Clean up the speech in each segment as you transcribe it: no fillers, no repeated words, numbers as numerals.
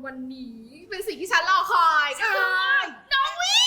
วันนี้เป็นสิ่งที่ฉันรอคอยก็คือน้องวิ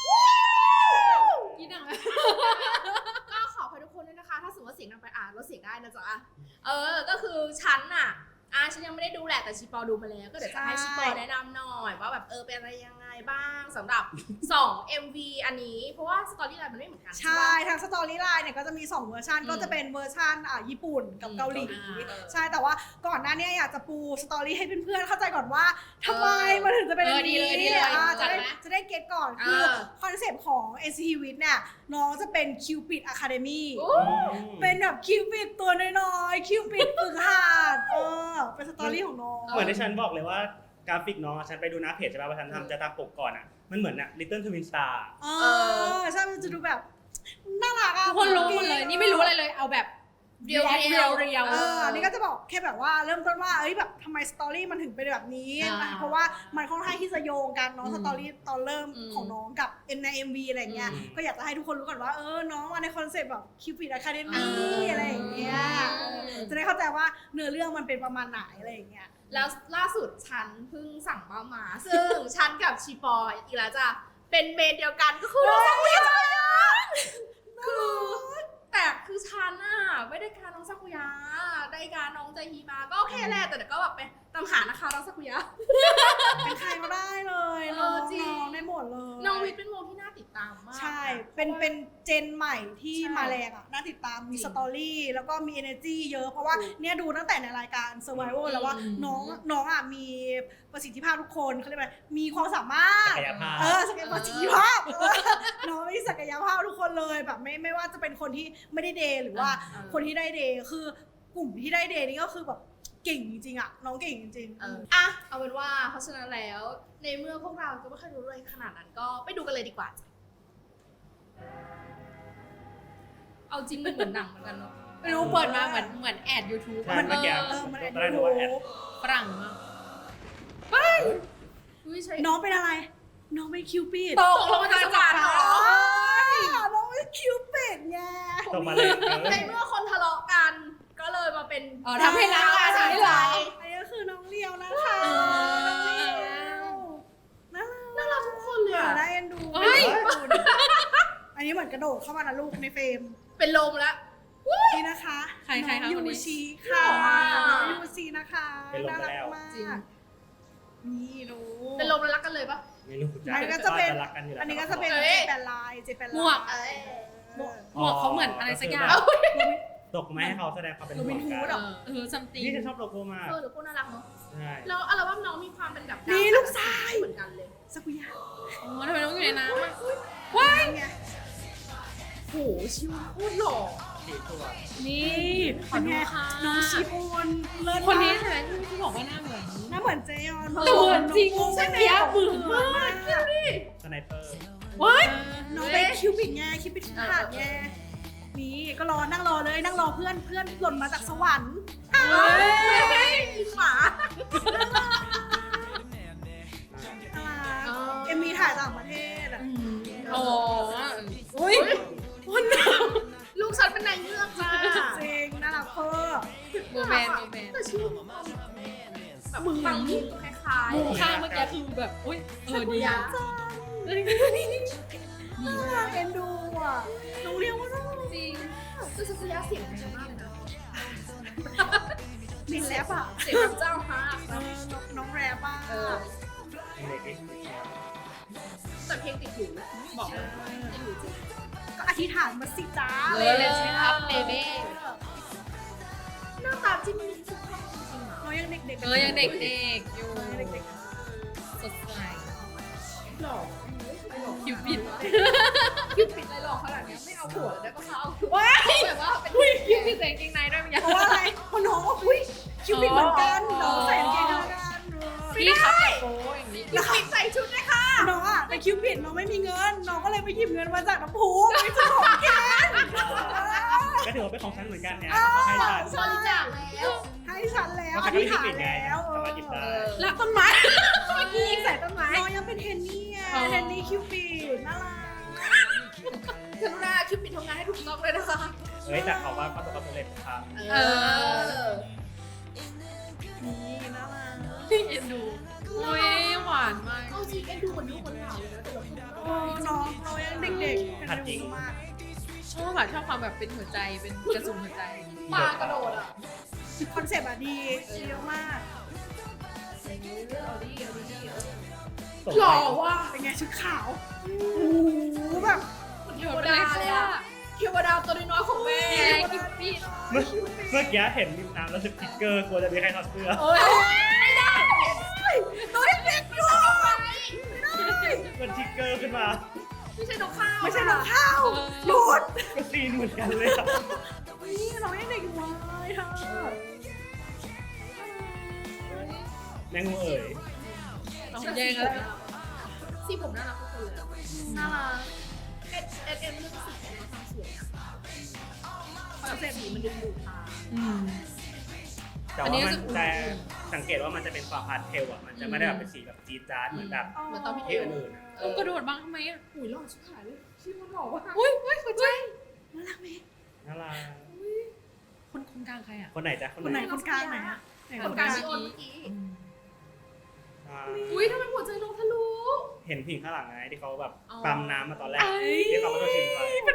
กินหนังก็ขออภัยทุกคนด้วยนะคะถ้าสมมติว่าเสียงดังไปลดเสียงได้นะจ๊ะก็คือฉันน่ะฉันยังไม่ได้ดูแหละแต่ชิปอดูมาแล้วก็เดี๋ยวจะให้ชิปอแนะนำหน่อยว่าแบบเป็นอะไรยังไงบ้างสำหรับ2 MV อันนี้เพราะว่าสตอรี่ไลน์มันไม่เหมือนกันใช่ทางสตอรี่ไลน์เนี่ยก็จะมี2เวอร์ชันก็จะเป็นเวอร์ชันญี่ปุ่นกับเกาหลีใช่แต่ว่าก่อนหน้านี้อยากจะปูสตอรี่ให้เพื่อนๆเข้าใจก่อนว่าทำไมมันถึงจะเป็นแบบนี้จะได้เก็ตก่อนคือคอนเซปต์ของ NCT With เนี่ยน้องจะเป็น Cupid Academy เป็นแบบ Cupid ตัวน้อยๆ Cupid ฝึกหัดเป็นสตอรี่ของน้องเหมือนที่ฉันบอกเลยว่ากราฟิกน้องฉันไปดูหน้าเพจใช่ป่ะว่าฉันทำจะตามปกก่อนมันเหมือนLittle Twin Star ใช่มันจะดูแบบน่ารักทุกคนรู้หมดเลยนี่ไม่รู้อะไรเลยเอาแบบเรียวนี่ก็จะบอกแค่แบบว่าเริ่มต้นว่าแบบทำไมสตอรี่มันถึงเป็นแบบนี้เพราะว่ามันค่อนข้างที่จะโยงกันเนาะสตอรี่ตอนเริ่มของน้องกับใน MV อะไรเงี้ยก็อยากจะให้ทุกคนรู้ก่อนว่าน้องมาในคอนเซปต์แบบ Cupid Academy อะไรอย่างเงี้ยจะได้เข้าใจว่าเนื้อเรื่องมันเป็นประมาณไหนอะไรอย่างเงี้ยแล้วล่าสุดฉันเพิ่งสั่งมาซึ่งฉันกับชีปออีกแล้วจ้ะเป็นเมนเดียวกันก็คือน้องสักกุยะแต่คือฉันไม่ได้การน้องสักุยะได้การน้องใจฮีมาก็โอเคแหละแต่ก็แบบไปตามหานะคะน้องสักุยะเป็นใครก็ได้เลยน้องได้หมดเลยน้องวิทย์เป็นวงที่น่าติดตามมากใช่เป็นเจนใหม่ที่มาแรงน่าติดตามมีสตอรี่แล้วก็มี energy เยอะเพราะว่าเนี่ยดูตั้งแต่ในรายการ Survival แล้วว่าน้องมีประสิทธิภาพทุกคนเขาเรียกว่ามีความสามารถศักยภาพน้องมีศักยภาพทุกคนเลยแบบไม่ว่าจะเป็นคนที่ไม่ได้เดย์หรือว่าคนที่ได้เดย์คือกลุ่มที่ได้เดย์นี่ก็คือแบบเก่งจริงๆน้องเก่งจริงๆเอาเป็นว่าเพราะฉะนั้นแล้วในเมื่อพวกเราก็ไม่เคยรู้เลยขนาดนั้นก็ไปดูกันเลยดีกว่าเอาจริงมันเหมือนหนังเหมือนกันเนาะไม่รู้เปิดมาเหมือนแอด YouTube มันแอดฝรั่งมากน้องเป็นอะไรน้องเป็นคิวปิดตกลงมาจากสวรรค์เหรอน้องเป็นคิวปิดไงตกมาเลยในเมื่อคนทะเลาะกันก็เลยมาเป็นทำให้รักกันใช่ไหมอันนี้ก็คือน้องเลียวนะคะน่ารักทุกคนเลยได้เอ็นดูอันนี้เหมือนกระโดดเข้ามานะลูกในเฟรมเป็นลมแล้วนี่นะคะใครคะยูชีค่ะยูชีนะคะน่ารักมากนี่รู้เป็นลมแล้วรักกันเลยปะไม่รู้อันนี้ก็จะเป็นอันนี้ก็จะเป็นเจแปนลายหมวกเขาเหมือนอะไรสักอย่างตกมาให้เขาแสดงความเป็นห่วงกันซัมติงนี่ฉันชอบโลโก้มากโลโก้น่ารักเนาะใช่แล้วอัลบั้มน้องมีความเป็นแบบนี่ลูกชายเหมือนกันเลยสักุยะทำไมน้องอยู่ในน้ำว้ายโหชิวพูดหล่อนี่เป็นไงน้องชิโอนเลิศคนนี้ใช่ไหมที่บอกว่าหน้าเหมือนเจยอนแต่เหมือนจริงใช่ไหมบึ้งมากสไนเปอร์ว้ายน้องเป็นคิวปิดไงคิวปิดขาดไงนี่ก็นั่งรอเลยนั่งรอเพื่อนหล่นมาจากสวรรค์หมามีถ่ายต่างประเทศอุ้ยลูกฉันเป็นนายเงือกจ้าจริงน่ารักเพ้อโมแมนแต่ชื่อแบบมึงฟังมุกคล้ายๆข้างเมื่อกี้คือแบบอุ้ยดีน่ารักเอ็นดูน้องเลี้ยงว่าจริงคือสักยะเสียงดีมากเลยนะมินแรปเสียงเจ้าฮะน้องแรปแต่เพลงติดหูบอกเลยก็อธิษฐานมาสิจ้าเลยใช่ครับเบเบ้หน้าตาจิ้มลิ้มสุดยอดจริงๆน้องยังเด็กยังเด็กอยู่สดใสหล่อคิวปิดอะไรหล่อขนาดนี้ไม่เอาหัวได้ปะคะเอาแบบว่าเป็นคิวปิดใส่กางเกงในด้วยมั้ยเพราะว่าอะไรเพราะน้องคิวปิดเหมือนกันน้องใส่กางเกงในกันพี่ครับโอ้อย่างนี้คิวปิดใส่ชุดเลยค่ะน้องไปคิวปิดน้องไม่มีเงินน้องก็เลยไปหยิบเงินมาจากน้ำพุไปซื้อของแกก็ถือว่าเป็นของฉันเหมือนกันเนี่ยให้ฉันบริจาคแล้วให้ฉันแล้วอธิษฐานแล้วรักต้นไม้เมื่อกี้ยิงใส่ต้นไม้น้องยังเป็นเทนนี่เทนนี่คิวปิดน่ารักกรุณาคิวปิดทำงานให้ถูกต้องเลยนะคะแต่เขาว่าประสบความสำเร็จครับนี่น่ารักเอ็นดูจริงเอ็นดูคนดูคนหล่าเลยนะแต่เราพูดน้องยังเด็กๆหัดจริงมากชอบความแบบเป็นหัวใจเป็นกระสุนหัวใจปลากระโดดอ่ะคอนเซปต์อะดีเยอะมากเอาดิเอาดิสมหล่อไปว่ะเป็นไงชุดขาวโอ้โหแบบเทวดาเลยอะเทวดาตัวน้อยๆของแม่นี่ไงกิฟฟี่เมื่อกี้เห็นริมน้ำแล้วสึกทิกเกอร์กลัวจะมีใครถอดเสื้อโอ้ยไม่ได้ตัวเล็กๆอยู่มันทิกเกอร์ขึ้นมาไม่ใช่นกข้าวไม่ใช่น้องข้าวหลุดก็ซีนเหมือนกันเลยอะนี่น้องยังเด็กอยู่เลยเธอแมงมุมเอ๋ยน้องแย่งแล้วสีผมน่ารักทุกคนเลยอะน่ารักเอ็มเรื่องสีของเราทำสวยอะคอนเซ็ปต์สีมันดึงดูดตาแต่ว่ามันจะสังเกตว่ามันจะเป็นความพาสเทลอ่ะ มันจะไม่ได้แบบเป็นสีแบบจี๊ดจ๊าดเหมือนแบบเหมือนตอนพี่ที่อื่นๆอะกระโดดบ้างทำไมอ่ะหุยหล่อชิบหายเลยชื่อมันหล่อว่ะอุ้ยหัวใจน่ารักไหมน่ารักคนกลางใครอ่ะคนไหนจ๊ะคนไหนคนกลางไหนอะไหนคคน นกกลาลางงชิโอนเมื่อกี้อ่าอุ้ยทำไมหัวใจลงทะลุเห็นผิงข้างหลังไงที่เขาแบบอ๋อปั๊มน้ำมาตอนแรกที่เขามาโดนชิมไป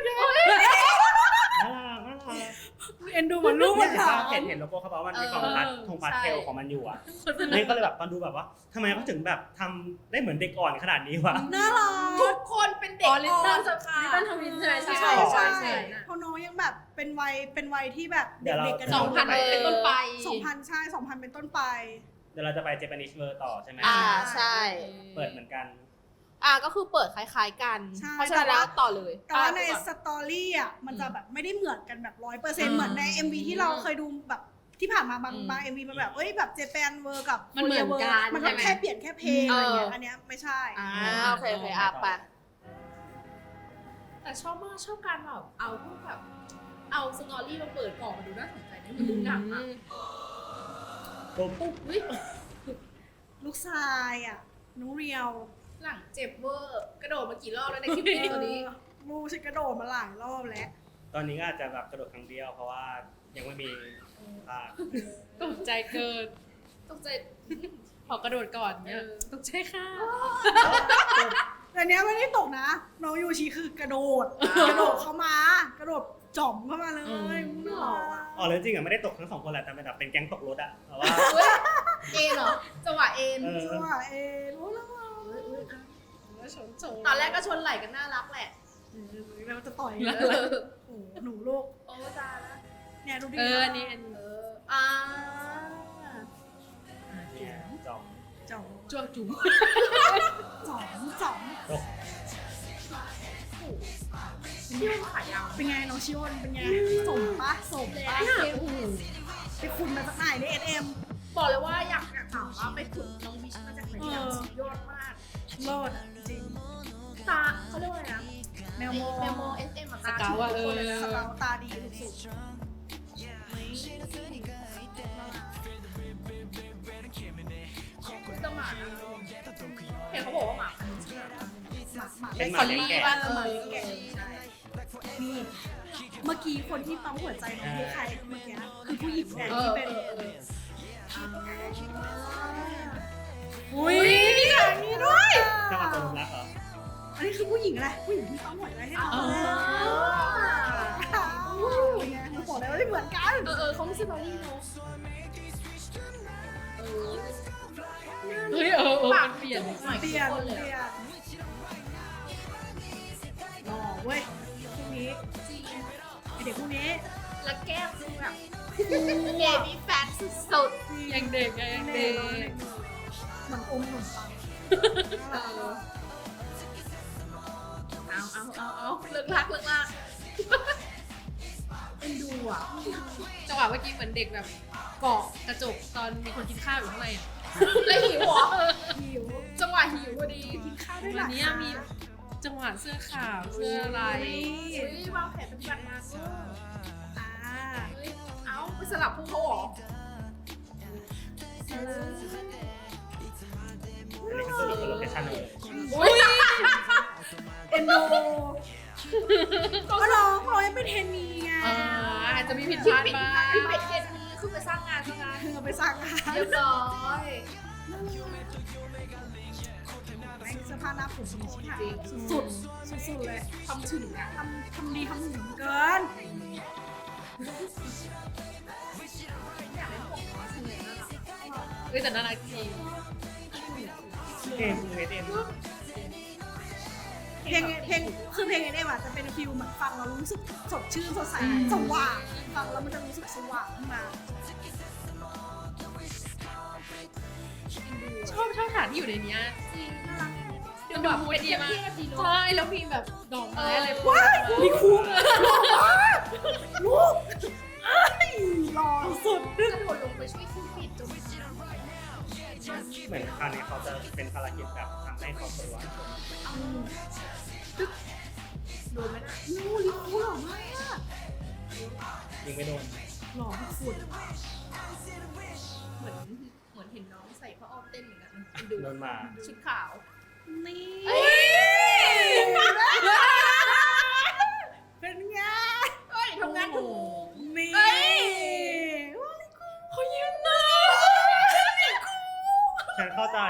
น่ารักน่ารักเอ็นดูเหมือนลูกเนี่มัยนถามเห็นโลโก้เขาบอกว่ามันมีความพาสทงพาสเทลของมันอยู่อ่ะนี่ก็เลยแบบตอนดูแบบว่าทำไมเขาถึงแบบทำได้เหมือนเด็กอ่อนขนาดนี้วะน่ารัทุกกคนเป็นเด็กอ๋อลิตเติ้ลสักค่ะลิตเติ้ลทวินใช่ไหมใช่ใช่ใช่ใช่เพราะน้องยังแบบเป็นวัยที่แบบเดี๋ยวเราเด็กๆกัน 2000 เป็นต้นไป 2000ใช่2000เป็นต้นไปเดี๋ยวเราจะไปเจแปนิชเวอร์ต่อใช่ไหมใช่เปิดเหมือนกันก็คือเปิดคล้ายๆกันใช่เพราะฉะนั้นแล้วต่อเลยแต่ว่าในไปก่อนสตอรี่อ่ะมันจะแบบไม่ได้เหมือนกันแบบ100%เหมือนใน MV ที่เราเคยดูแบบที่ผ่านมาบาง MV มันแบบแบบเจแปนเวอร์กับมันเหมือนกันมันก็ใช่ไหมแค่เปลี่ยนแค่เพลงอะไรเงี้ยอันเนี้ยไม่ใช่โอเคไปแต่ชอบมากชอบการแบบเอาพวกแบบเอาสตอรี่มาเปิดก่อนมาดูน่าสนใจนะมันดูหนังอะปุ๊บอุ้ยลูกชายอ่ะน้องเรียวหลังเจ็บเวอร์กระโดดมากี่รอบแล้วในคลิปนี้ตัวนี้ลูกฉันกระโดดมาหลายรอบแล้วตอนนี้ก็อาจจะแบบกระโดดครั้งเดียวเพราะว่ายังไม่มีภาคตกใจเกินตกใจขอกระโดดก่อนเนี่ยตกใจค่ะแต่เนี้ยไม่ได้ตกนะ น้องยูชิคือกระโดดเข้ามากระโดดจ่อมเข้ามาเลยอ๋อแล้วจริงอ่ะไม่ได้ตกทั้งสองคนแหละแต่เป็นแบบเป็นแก๊งตกรถอ่ะแต่ว่าเฮ้ยเอ็นเหรอจังหวะเอ็นจังหวะรู้แล้วตอนแรกก็ชนไหล่กันน่ารักแหละเราจะต่อยแล้วโอ้หนูลูกโอ้ตายแล้วเนี่ยดูดิอันนี้อ่าเนี่ยจอมจ่อมจ้วงจุ๋มจ่อมตกที่มันขายาวเป็นไงน้องชิโอนเป็นไงสมปะเลยโอ้โหไปคุณมาจากไหนใน SM บอกเลยว่าอยากถามว่าไปฝึกน้องวิชมาจากไหนอย่างสุดยอดมากเลิศจริงตาเขาเรียกว่าอะไรนะแมวโมเมโม SM อะสเกาอะสเกาตาดีสุดคือจะหมานะเห็นเขาบอกว่าหมาพันธุ์เชื่อๆหมาเป็นหคมานนี้เลี้ยงแกะบ้านหมาเลี้ยงแกะใช่นี่เมื่อกี้คนที่ปั๊มหัวใจน้องคือใครเมื่อกี้คือผู้หญิงเนี่ยที่เป็น อุ้ยมีฉากนี้ด้วยเจ้าของตัวรักเหรออันนี้คือผู้หญิงอะไรผู้หญิงที่ปั๊มหัวใจให้น้องเป็นไงมันบอกเลยว่าไม่เหมือนกันเขาไม่ใช่บอลลี่เนาะเฮ้ยมันเปลี่ยนหน่อยเปลี่ยนคนเลยเปลี่ยนหล่อเว้ยพวกนี้จริงไอเด็กพวกนี้แล้วแก้มคือแบบเบบี้แฟตสุดยังเด็กยังเด็กเหมือนอมขนมปังๆเอาเลิกลักเอ็นดูอ่ะจังหวะเมื่อกี้เหมือนเด็กแบบเกาะกระจกตอนมีคนกินข้าวอยู่ข้างในอ่ะแล้วหิวเหรอหิวจังหวะหิวพอดีกินข้าวด้วยวัล่ะนนี้มีจังหวะเสื้อขาวเสื้อลายวางแผนปฏิบัติงานเวอร์อ่าเฮ้ยเอาไปสลับพวกเขาเหรออันนี้คือสรุปเป็นโลเคชั่นเลยอุ้ยเอ็นดูก็น้องยังเป็นเทรนนีไงอาจจะมีผิดพลาดบ้างพี่เป็ดเย็นนี้คือไปสร้างงานซะงั้นเธอไปสั่งอาหารเรียบร้อยไม่เสื้อผ้าหน้าผมดีชิบหายจริงสุดๆสุดๆเลยทำถึงอ่ะทำดีทำถึงเกินอยากได้ผมเนาะทำไงน่ารักแต่น่ารักจริงเกมเอเดนเพลงคือเพลงนี้จะเป็นฟิลเหมือนฟังแล้วรู้สึกสดชื่นสดใสสว่างฟังแล้วมันจะรู้สึกสว่างขึ้นมาชอบฉากที่อยู่ในเนี้ยจริงน่ารักมันดูมูดดีมากดีเนาะใช่แล้วมีแบบดอกไม้อะไรว้ายมีครูลูกหล่อสุดกระโดดลงไปช่วยคิวปิดจนเหมือนคราวนี้เขาจะเป็นภารกิจแบบทำให้ครอบครัวโดนไหมนะลูกลิครูหล่อมากยิงไม่โดนหล่อสุดเหมือนเห็นน้องใส่ผ้าอ้อมเต้นเหมือนกันดูโดนมาชุดขาวนี่เอ้ยเป็นไงเอ้ยทำงานถูกนี่เอ้ยเขายิ้มนะฉันเข้าใจ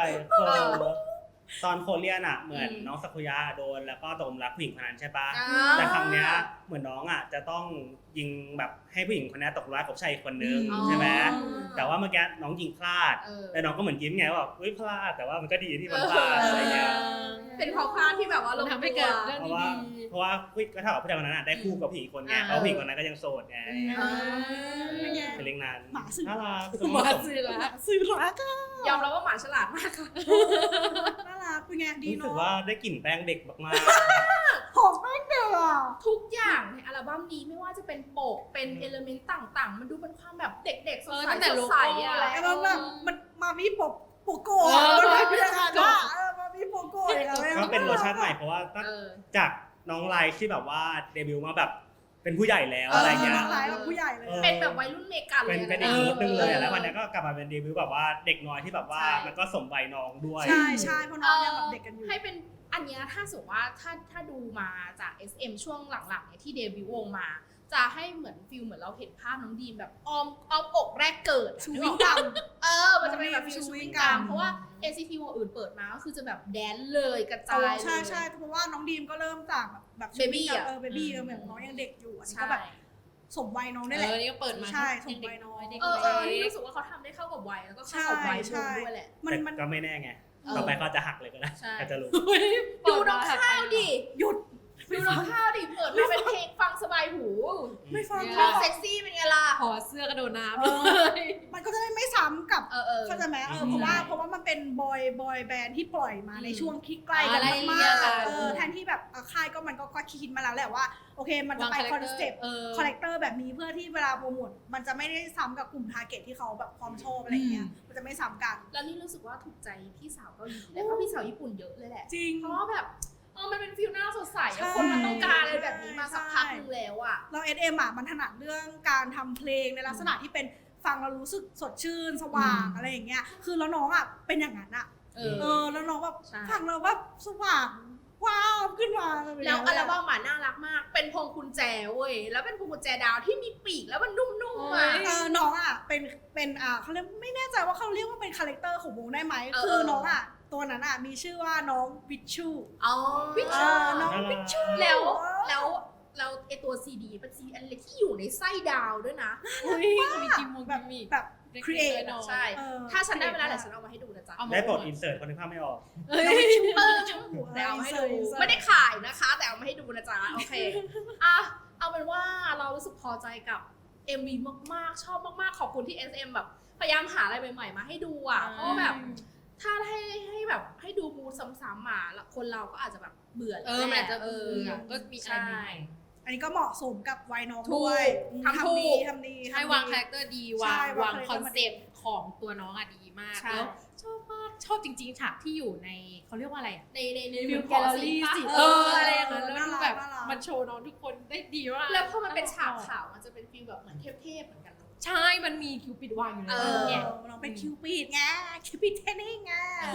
ตอนโคเรียนอ่ะเหมือนน้องสักุยะโดนแล้วก็ตกหลุมรักผู้หญิงคนนั้นใช่ปะแต่ครั้งเนี้ยเหมือนน้องอ่ะจะต้องยิงแบบให้ผู้หญิงคนนี้ตกหลุมรักกับชายอีกคนนึงใช่ไหมแต่ว่าเมื่อกี้น้องยิงพลาดแล้วน้องก็เหมือนยิ้มไงว่าแบบอุ้ยพลาดแต่ว่ามันก็ดีที่มันพลาดอะไรเงี้ยเป็นเพราะพลาดที่แบบว่าลมันงทำให้เกิดเรื่องเพราะดีว่าเพราะว่าก็เท่ากับผู้ชายคนนั้นได้คู่กับผู้หญิงคนไงเพราะผู้หญิงคนนั้นก็ยังโสดไงเป็นไงเป็นเรื่องนั้นหมาสื่อน่ารักๆมาซื้อละสื่อรักอะยอมรับว่าหมาฉลาดมากค่ะน่ารักเป็นไงดีรู้สึกเนาะว่าได้กลิ่นแป้งเด็กมากหอมมากเด้อทุกอย่างในอัลบั้มนี้ไม่ว่าจะเป็นปกเป็นเอลเมนต์ต่างๆ มันดูเป็นความแบบเด็กๆสดใสตั้งแต่สโลดโก้ใสอ่ะอะไรแล้วแบบมันมามีโปโก้เออมันเป็นยังไงล่ะมามีโปโก้อย่างเงี้ยๆก็เป็นเวอร์ชันใหม่เพราะว่าตั้งเออจากน้องไลท์ที่แบบว่าเดบิวต์มาแบบเป็นผู้ใหญ่แล้วอะไรเงี้ยน้องร้ายแบบผู้ใหญ่เลยเป็นแบบวัยรุ่นเมกันเลยเป็นอีกมูดนึงเลยอะแล้ววันนี้ก็กลับมาเป็นเดบิวต์แบบว่าเด็กน้อยที่แบบว่ามันก็สมวัยน้องด้วยใช่ใช่เพราะน้องยังแบบเด็กกันอยู่ให้เป็นอันเนี้ยถ้าสมมติว่าถ้าดูมาจาก SM ช่วงหลังๆเนี่ยที่เดบิวต์วงมา จะให้เหมือนฟิลเหมือนเราเห็นภาพน้องดีมแบบอ้อมอกแรกเกิดอะชูนึกวิอง อกกัปะมมันจะเป็นแบบฟิลชูชูวิวิงงกักัมมเพราะว่า NCT วงอื่นเปิดมาก็คือจะแบบแดนเลยกระจายเลยใช่ใช่เพราะว่าน้องดีมก็เริ่มจากแบบ Baby อะเบบี้เหมือนน้องยังเด็กอยู่อันนี้ใช่ก็แบบสมวัยน้องได้แหละนี่ก็เปิดมาใช่เด็กส่งไปน้อยเด็กนี่เล็กรู้สึกว่าเขาทำได้เข้ากับวัยแล้วก็เข้ากับวัยวงด้วยแหละมันแต่มันก็ไม่แน่ไงเออต่อไปเขาจะหักเลยก็ได้ใช่อาจจะรู้ดูน้องข้าวดิหยุดดูน้องข้าวดิเปิดมาเป็นเพลงฟังสบายหูไม่ฟังเพลงเซ็กซี่เป็นไงล่ะขอเสื้อกระโดดน้ำมันก็จะได้ไม่ซ้ำกับ เข้าใจไหมอืมเพราะว่ามันเป็นบอยแบนด์ที่ปล่อยมาในช่วงที่ใกล้กันอะไรมาเงี้ยกกันๆแทนที่แบบค่ายก็มันก็คิดมาแล้วแหละว่าโอเคมันจะไปคอนเซ็ปต์คาแรคเตอร์แบบนี้เพื่อที่เวลาโปรโมทมันจะไม่ได้ซ้ำกับกลุ่มทาร์เก็ตที่เขาแบบความชอบอะไรเงี้ยมันจะไม่ซ้ำกันแล้วนี่รู้สึกว่าถูกใจพี่สาวเกาหลีและก็พี่สาวญี่ปุ่นเยอะเลยแหละจริงเพราะว่าแบบมันเป็นฟิลหน้าสดใสใช่อะคนมันต้องการอะไรแบบนี้มาสักพักนึงแล้วอะเรา SM มันถนัดเรื่องการทำเพลงในลักษณะที่เป็นฟังแล้วรู้สึกสดชื่นสว่างอะไรอย่างเงี้ยคือแล้วน้องเป็นอย่างนั้นแล้วน้องแบบใช่ฟังแล้วแบบสว่างว้าวขึ้นมาแล้วอัลบั้มน่ารักมาก เป็นพวงกุญแจเว้ย แล้วเป็นพวงกุญแจดาวที่มีปีกแล้วมันนุ่มๆอ่ะน้องเป็นเขาเรียกไม่แน่ใจว่าเขาเรียกว่าเป็นคาแรคเตอร์ของวงได้ไหมเออคือน้องตัวนั้นมีชื่อว่าน้องวิชชูอ๋อวิชน้องวิชชูแล้วไอตัวซีดีเป็นซีดีอันเล็กที่อยู่ในไส้ดาวด้วยนะมีกิมมูแบบมีแบบ create ใช่ ถ้าฉันได้เวลาเดี๋ยวฉันเอามาให้ดูนะจ๊ะได้โปรดอินเสิร์ตคนที่ภาพไม่ออกน้องวิชชูแต่เอามาให้ดู ไม่ได้ขายนะคะ แต่เอามาให้ดูนะจ๊ะ โอเค เอาเป็นว่าเรารู้สึกพอใจกับ MV มากๆ ชอบมากๆ ขอบคุณที่ SM แบบพยายามหาอะไรใหม่ๆ มาให้ดูอ่ะ เพราะว่าแบบถ้าให้แบบให้ดูมูดซ้ำๆแล้วคนเราก็อาจจะแบบเบื่อมันอาจจะเบื่อก็มีอะไรใหม่อันนี้ก็เหมาะสมกับวัยน้องถูกด้วยทำถูกทำดีให้วางคาแรคเตอร์ดีใช่วางวางคอนเซปต์ของตัวน้องดีมากใช่แล้วชอบมากชอบจริงๆฉากที่อยู่ในเขาเรียกว่าอะไรอ่ะในฟิลขแกอลเลอสีรี่ปะสิเอออะไรอย่างนั้นแล้วน่ารัดูกแบบน่ารักมันโชว์น้องทุกคนได้ดีมากแล้วพอมันเป็นฉากขาวมันจะเป็นฟีลแบบเหมือนเทพๆเหมือนกันเนอะใช่ มันมีคิวปิดวางอยู่ในเอนั้นอเนี่ยน้องเป็นคิวปิดไงคิวปิดเทนนิ่งไง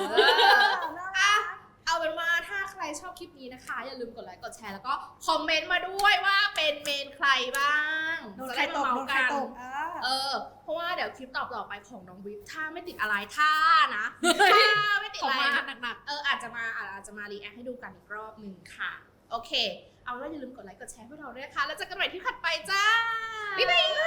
เอาเป็นว่าถ้าใครชอบคลิปนี้นะคะ อย่าลืมกดไลค์กดแชร์แล้วก็คอมเมนต์มาด้วยว่าเป็นเมนใครบ้างโดนจะใครได้ตมาก เมาโดนส์ใครกันตกเพราะว่าเดี๋ยวคลิปต่อไปของน้องวิฟถ้าไม่ติดอะไรถ้านะถ้าไม่ติดขออะไรมาหนักอาจจะมารีแอคให้ดูกันอีกรอบหนึ่งค่ะโอเคเอาแล้วอย่าลืมกดไลค์กดแชร์พวกเราด้วยนะคะแล้วเจอกันใหม่ที่ถัดไปจ้าบ๊ายบาย